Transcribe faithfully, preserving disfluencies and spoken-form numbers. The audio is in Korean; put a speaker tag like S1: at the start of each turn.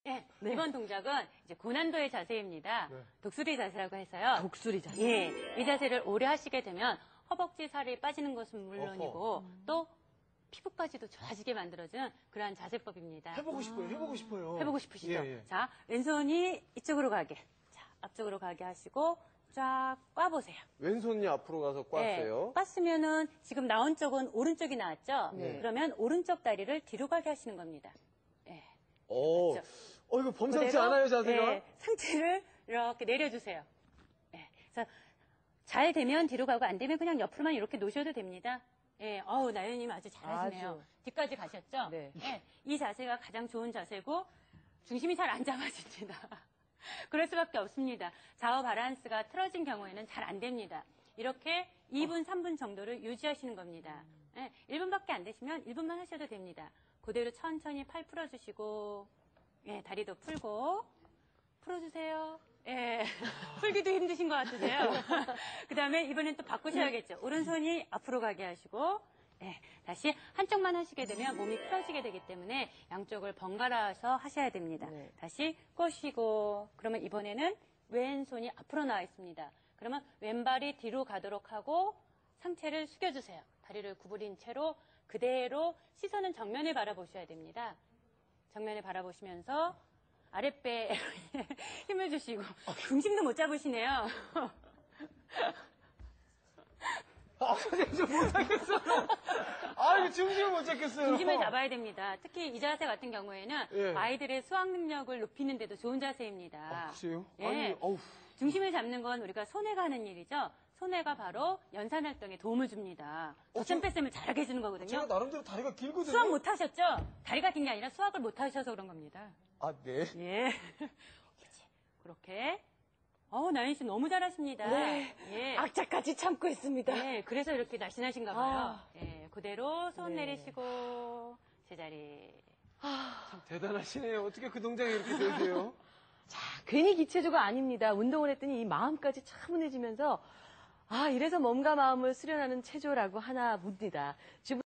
S1: 네, 네. 이번 동작은 이제 고난도의 자세입니다. 네. 독수리 자세라고 해서요.
S2: 독수리 자세.
S1: 예, 이 자세를 오래 하시게 되면 허벅지 살이 빠지는 것은 물론이고 음. 또 피부까지도 좋아지게 만들어주는 그러한 자세법입니다.
S3: 해보고 싶어요. 해보고 싶어요.
S1: 해보고 싶으시죠?
S3: 예, 예.
S1: 자, 왼손이 이쪽으로 가게. 자, 앞쪽으로 가게 하시고 쫙 꽈보세요.
S4: 왼손이 앞으로 가서 꽈세요.
S1: 네, 꽈으면은 지금 나온 쪽은 오른쪽이 나왔죠?
S4: 네.
S1: 그러면 오른쪽 다리를 뒤로 가게 하시는 겁니다. 네.
S4: 오,
S1: 그렇죠?
S4: 어, 이거 범상치
S1: 그대로,
S4: 않아요, 자세가?
S1: 네, 상체를 이렇게 내려주세요. 네, 그래서 잘 되면 뒤로 가고 안 되면 그냥 옆으로만 이렇게 놓으셔도 됩니다. 예, 어우, 나연님 아주 잘하시네요.
S2: 아주.
S1: 뒤까지 가셨죠?
S2: 네.
S1: 예, 이 자세가 가장 좋은 자세고 중심이 잘 안 잡아집니다. 그럴 수밖에 없습니다. 좌우 바란스가 틀어진 경우에는 잘 안 됩니다. 이렇게 이 분, 삼 분 정도를 유지하시는 겁니다. 예, 일 분밖에 안 되시면 일 분만 하셔도 됩니다. 그대로 천천히 팔 풀어주시고, 예, 다리도 풀고, 풀어주세요. 예, 풀기도 힘드신 것 같으세요? 그 다음에 이번엔 또 바꾸셔야겠죠. 오른손이 앞으로 가게 하시고, 예, 다시 한쪽만 하시게 되면 몸이 풀어지게 되기 때문에 양쪽을 번갈아서 하셔야 됩니다.
S2: 네.
S1: 다시 꼬시고, 그러면 이번에는 왼손이 앞으로 나와 있습니다. 그러면 왼발이 뒤로 가도록 하고 상체를 숙여주세요. 다리를 구부린 채로 그대로 시선은 정면을 바라보셔야 됩니다. 정면을 바라보시면서 아랫배에 힘을 주시고 중심도 못 잡으시네요.
S3: 아, 선생님, 저 못하겠어요. 아, 이거 중심을 못 잡겠어요.
S1: 중심을 잡아야 됩니다. 특히 이 자세 같은 경우에는
S3: 예.
S1: 아이들의 수학 능력을 높이는 데도 좋은 자세입니다.
S3: 아, 그래요?
S1: 예.
S3: 아니, 어우.
S1: 중심을 잡는 건 우리가 손해가 하는 일이죠. 손해가 바로 연산 활동에 도움을 줍니다.
S3: 어,
S1: 저점 뺐음을 잘하게 해주는 거거든요.
S3: 제가 나름대로 다리가 길거든요.
S1: 수학 못 하셨죠? 다리가 긴 게 아니라 수학을 못 하셔서 그런 겁니다.
S3: 아, 네.
S1: 예. 그렇지. 그렇게. 어우, 나연 씨 너무 잘하십니다.
S2: 네.
S1: 예.
S2: 악착같이 참고 있습니다.
S1: 예, 그래서 이렇게 날씬하신가 봐요.
S2: 아.
S1: 예, 그대로 손
S2: 네.
S1: 내리시고 제자리.
S3: 참 대단하시네요. 어떻게 그 동작이 이렇게 되세요?
S2: 자, 괜히 기체조가 아닙니다. 운동을 했더니 이 마음까지 차분해지면서 아, 이래서 몸과 마음을 수련하는 체조라고 하나 봅니다.